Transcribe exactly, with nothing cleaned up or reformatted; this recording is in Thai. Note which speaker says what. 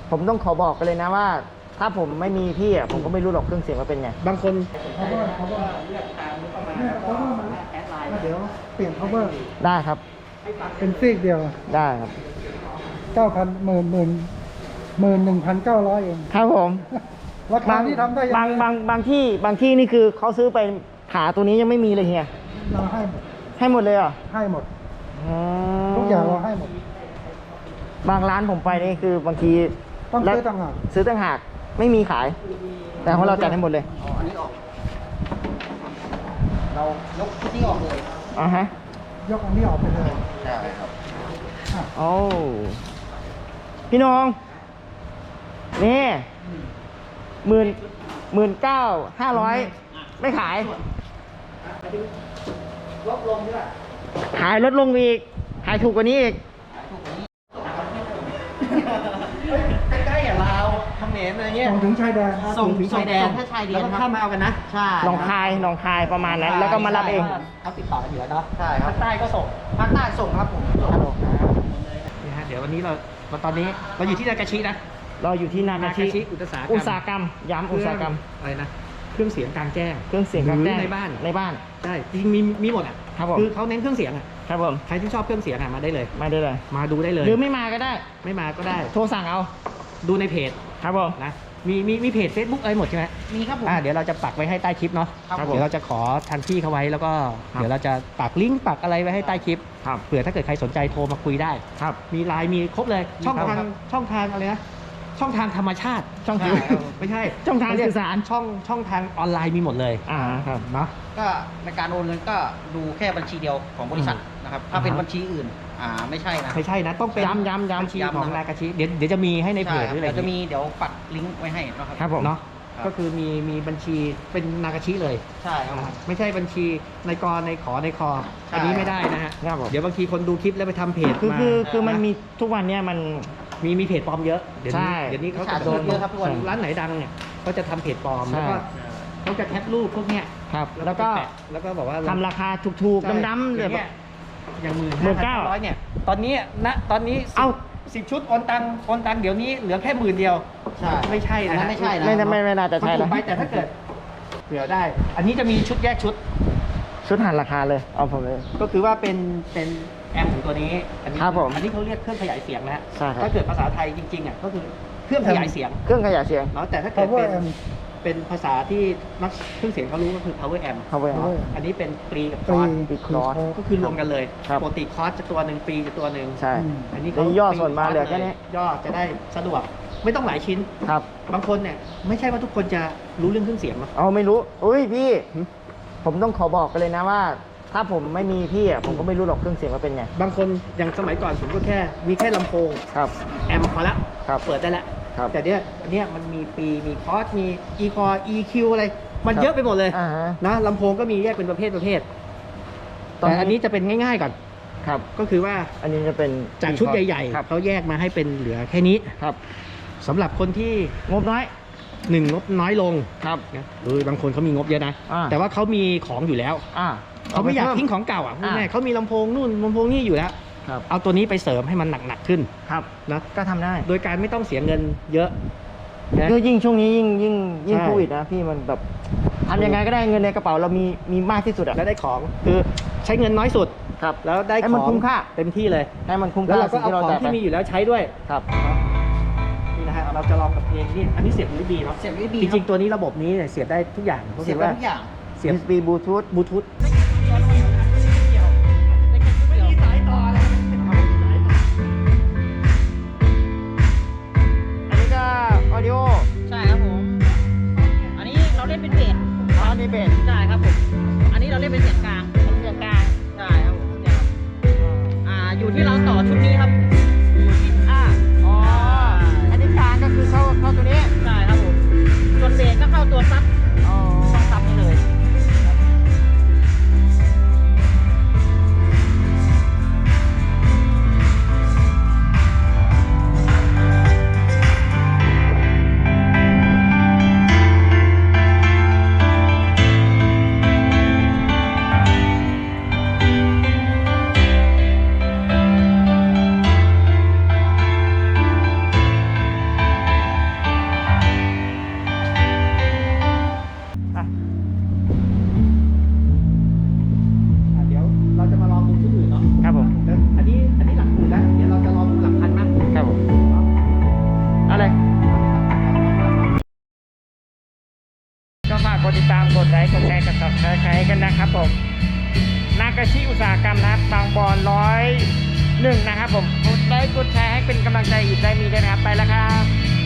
Speaker 1: ผมต้องขอบอกกันเลยนะว่า ถ้าผมไม่มีพี่อ่ะผมก็ไม่รู้หรอกเครื่องเสียงว่าเป็นไง
Speaker 2: บางคน
Speaker 3: cover cover เลือกตามนี้ประมาณแล้วก็แอดไลน์เดี๋ยวเปลี่ยน cover
Speaker 1: ได้ครับ
Speaker 3: เป็นซีกเดียว
Speaker 1: ได้ครับ
Speaker 3: เก้าพันหมื่นหมื่นหมื่นหนึ่งพันเก้าร้อยเอง
Speaker 1: ครับผม
Speaker 3: ราคาที่ทำได้ยัง
Speaker 1: บางบางบางที่บางที่นี่คือเขาซื้อไปขาตัวนี้ยังไม่มีเลยเฮีย
Speaker 3: เราให้หมด
Speaker 1: ให้หมดเลยเหรอ
Speaker 3: ให้หมด
Speaker 1: อ๋อ
Speaker 3: ทุกอย่างเราให้หมด
Speaker 1: บางร้านผมไปนี่คือบางที
Speaker 3: ต้องซื้อต่างหาก
Speaker 1: ซื้อต่างหากไม่มีขาย แต่ของเราจัดให้หมดเลย
Speaker 2: อ๋ออันนี้ออกเรายกชุดนี้ออกเลย
Speaker 1: อ่าฮะ
Speaker 3: ยกอันนี้ออกไปเลย
Speaker 2: ใช่ครับ
Speaker 1: โอ้พี่น้องนี่หมื่นหมื่นเก้าห้าร้อยไม่ขาย
Speaker 2: ลดลงใช่ไหม
Speaker 1: ขายลดลงอีกขายถูกกว่านี้อีก
Speaker 2: ใกล้ๆอย่างลาวเขมรอะไรเงี้ย
Speaker 3: ส่งถึงชายแดน
Speaker 2: ส่งถึงชายแดนถ้าชายแดนแล้วก็ข้ามมาเอากันนะใช่
Speaker 1: หนองคายหนองคายประมาณนั้นแล้วก็มารับเอง
Speaker 2: เขาติดต่อกันอยู่แล้วเนาะใช่ครับภาคใต้ก็ส่งภาคใต้ส่งครับผมนี่ฮะเดี๋ยววันนี้เราตอนนี้เราอยู่ที่นากาชินะ
Speaker 1: เราอยู่ที่นากาชิ
Speaker 2: อุตสาหกรรม
Speaker 1: อุตสาหกรรมย้ำอุตสาหกรรม
Speaker 2: อะไรนะเครื่องเสียงกลางแจ้ง
Speaker 1: เครื่องเสียงกลางแจ้ง
Speaker 2: ในบ้าน
Speaker 1: ในบ้าน
Speaker 2: ใช่จริงมีมีหมดอ่ะ
Speaker 1: ครับผม
Speaker 2: คือเขาเน้นเครื่องเสียงอ่ะ
Speaker 1: ครับผม
Speaker 2: ใครที่ชอบเครื่องเสียงอ่ะมาได้เลย
Speaker 1: มาได้เลย
Speaker 2: มาดูได้เลย
Speaker 1: หรือไม่มาก็ได้
Speaker 2: ไม่มาก็ได้
Speaker 1: โทรสั่งเอา
Speaker 2: ดูในเพจ
Speaker 1: ครับผม
Speaker 2: นะมีมีมีเพจ Facebook อะไรหมดใช่ไหมมีครับผมอ่าเดี๋ยวเราจะปักไว้ให้ใต้คลิปเนาะเดี๋ยวเราจะขอทางพี่เขาไว้แล้วก็เดี๋ยวเราจะปักลิงก์ปักอะไรไว้ให้ใต้คลิปเผื่อถ้าเกิดใครสนใจโทรมาคุยได้
Speaker 1: ครับ
Speaker 2: มีไลน์มีครบเลยช่องทางช่องทางอะไรนะช่องทางธรรมชาติ
Speaker 1: ช่องทาง
Speaker 2: ไม่ใช่
Speaker 1: ช่องทางสื่อสาร
Speaker 2: ช่องช่องทางออนไลน์มีหมดเลย
Speaker 1: อ่าครับ
Speaker 2: เนาะก็ในการโอนเงินก็ดูแค่บัญชีเดียวของบริษัทนะครับถ้าเป็นบัญชีอื่นอ่าไม่ใช่นะไม่ใช่นะต้องเป็น
Speaker 1: ย้ำย้ำย้ำ
Speaker 2: บัญชีของนากาชิเดี๋ยวเดี๋ยวจะมีให้ในเพจหรืออะไรเดี๋ยวจะมีเดี๋ยวปักลิงก์ไว้ให้นะครับ
Speaker 1: ครับผม
Speaker 2: เนาะก็คือมีมีบัญชีเป็นนากาชิเลยใช่ครับไม่ใช่บัญชีในกรในขอในคออันนี้ไม่ได้นะฮะเดี๋ยวบางทีคนดูคลิปแล้วไปทำเพจ
Speaker 1: คือคือคือมันมีทุกวันเนี้ยมัน
Speaker 2: มีมีเพจปลอมเยอะเดี๋ยว
Speaker 1: นี้
Speaker 2: เดี๋ยวนี้เขาจะโดนเยอะครับทุกวันร้านไหนดังเนี่ยเขาจะทำเพจปลอมแล้วก็เขาจะแคปรูปพวกเนี้ย
Speaker 1: ครับแล้วก็
Speaker 2: แล้วก็บอกว่า
Speaker 1: ทำราคาถูกๆดำๆเลยแบบ
Speaker 2: อย่างหมื่นหมื่นเก้าร้อยเนี่ยตอนนี้นะตอนนี้เอาสิบชุดโอนตังโอนตังเดี๋ยวนี้เหลือแค่หมื่นเดียวใช่ไม่ใช่นะไม่ใช่นะ
Speaker 1: ไม่ไม่ไม่น่าจะใช่
Speaker 2: แล้วไปแต่ถ้าเกิดเผื่อได้อันนี้จะมีชุดแยกชุด
Speaker 1: ชุดหันราคาเลยเอาผมเลย
Speaker 2: ก็คือว่าเป็นเป็นแอมของตัวนี้อันนี้
Speaker 1: ครับผม
Speaker 2: อันนี้เขาเรียกเครื่องขยายเสียงนะ
Speaker 1: ใช่ครับ
Speaker 2: ถ้าเกิดภาษาไทยจริงๆอ่ะก็คือเครื่องขยายเสียง
Speaker 1: เครื่องขยายเสียง
Speaker 2: เนาะแต่ถ้าเกิดเป็นเป็นภาษาที่นักเครื่องเสียงเขารู้ก็คือ power amp
Speaker 1: power amp
Speaker 2: อันนี้เป็นปรีกับคอร์ส
Speaker 1: ปรีคอร์ส
Speaker 2: ก็คือรวมกันเลยปกติคอร์สจะตัวหนึ่งปรีจะตัวหนึ่ง
Speaker 1: ใช่
Speaker 2: อันนี้
Speaker 1: เขาย่อส่วนมาเหลือแค่นี้
Speaker 2: ย่อจะได้สะดวกไม่ต้องหลายชิ้น
Speaker 1: ครับ
Speaker 2: บางคนเนี่ยไม่ใช่ว่าทุกคนจะรู้เรื่องเครื่องเสียงหรอก
Speaker 1: เอาไม่รู้อุ้ยพี่ผมต้องขอบอกกันเลยนะว่าถ้าผมไม่มีพี่อ่ะผมก็ไม่รู้หรอกเครื่องเสียงว่าเป็นไง
Speaker 2: บางคนอย่างสมัยก่อนผมก็แค่มีแค่ลำโพง
Speaker 1: ครับ
Speaker 2: แอมพอละเปิดได้แล้วแต่เนี้ยเนี้ยมันมีปีมีคอร์สมีอีคอร์อีคิวอะไรมันเยอะไปหมดเลยนะลำโพงก็มีแยกเป็นประเภทประเภทแต่อันนี้จะเป็นง่ายๆก่อน
Speaker 1: ครับ
Speaker 2: ก็คือว่า
Speaker 1: อันนี้จะเป็น
Speaker 2: จากชุดใหญ่ๆเขาแยกมาให้เป็นเหลือแค่นี้
Speaker 1: ครับ
Speaker 2: สำหรับคนที่
Speaker 1: งบน้อย
Speaker 2: หนึ่งงบน้อยลง
Speaker 1: ครับ
Speaker 2: เออบางคนเขามีงบเยอะนะแต่ว่าเขามีของอยู่แล้วเขาไม่อยากทิ้งของเก่าอ่ะพูดง่ายเขามีลำโพงนู่นลำโพงนี่อยู่แล้วเอาตัวนี้ไปเสริมให้มันหนักๆขึ้น
Speaker 1: ครับ
Speaker 2: นะ
Speaker 1: ก็ทำได้
Speaker 2: โดยการไม่ต้องเสียเงินเยอะ
Speaker 1: ก็ยิ่งช่วงนี้ยิ่งยิ่งยิ่งโควิดนะพี่มันแบบทำยังไงก็ได้เงินในกระเป๋าเรามีมีมากที่สุดอะ
Speaker 2: แล้วได้ของคือใช้เงินน้อยสุด
Speaker 1: ครับ
Speaker 2: แล้วได้ของให้
Speaker 1: มันคุ้มค่า
Speaker 2: เต็มที่เลย
Speaker 1: ให้มันคุ้ม
Speaker 2: ค่าแล้วเราก็เอาของที่มีอยู่แล้วใช้ด้วย
Speaker 1: ครับ
Speaker 2: นี่นะฮะเราจะลองกับเพลงนี่อันนี้เสียบ ยู เอส บี เนาะเสียบ ยู เอส บี จริงๆตัวนี้ระบบนี้เสียบได้ทุกอย่าง
Speaker 3: เสียบได้ทุกอย่าง
Speaker 2: เสียบ
Speaker 1: ยู เอส บี Bluetooth
Speaker 2: Bluetooth
Speaker 1: audio
Speaker 4: ใช่ครับผมอันนี้เราเล่นเป็นเบส
Speaker 1: อ๋อนี่เบส
Speaker 4: ใช่ครับผมอันนี้เราเล่นเป็นเสียงกลาง
Speaker 1: เสียงกลาง
Speaker 4: ใช่ครับผมเนี่ยครับอ่าอยู่ที่เราต่อชุดนี้ครับ
Speaker 1: อ่าอ๋ออันนี้กลางก็คือเข้าเข้าตัวนี้
Speaker 4: ใช่ครับผมส่วนเบสก็เข้าตัวซับ
Speaker 1: อ๋อ
Speaker 4: ช่องซับนี่เลย
Speaker 1: ฝากกดติดตามกดไลค์กดแชร์กดซับสไครต์กันนะครับผมนากาชิอุตสาหกรรมนะครับบางบอนร้อยหนึ่งนะครับผมกดไลค์กดแชร์ให้เป็นกำลังใจอีกได้มีด้วยนะครับไปแล้วครับ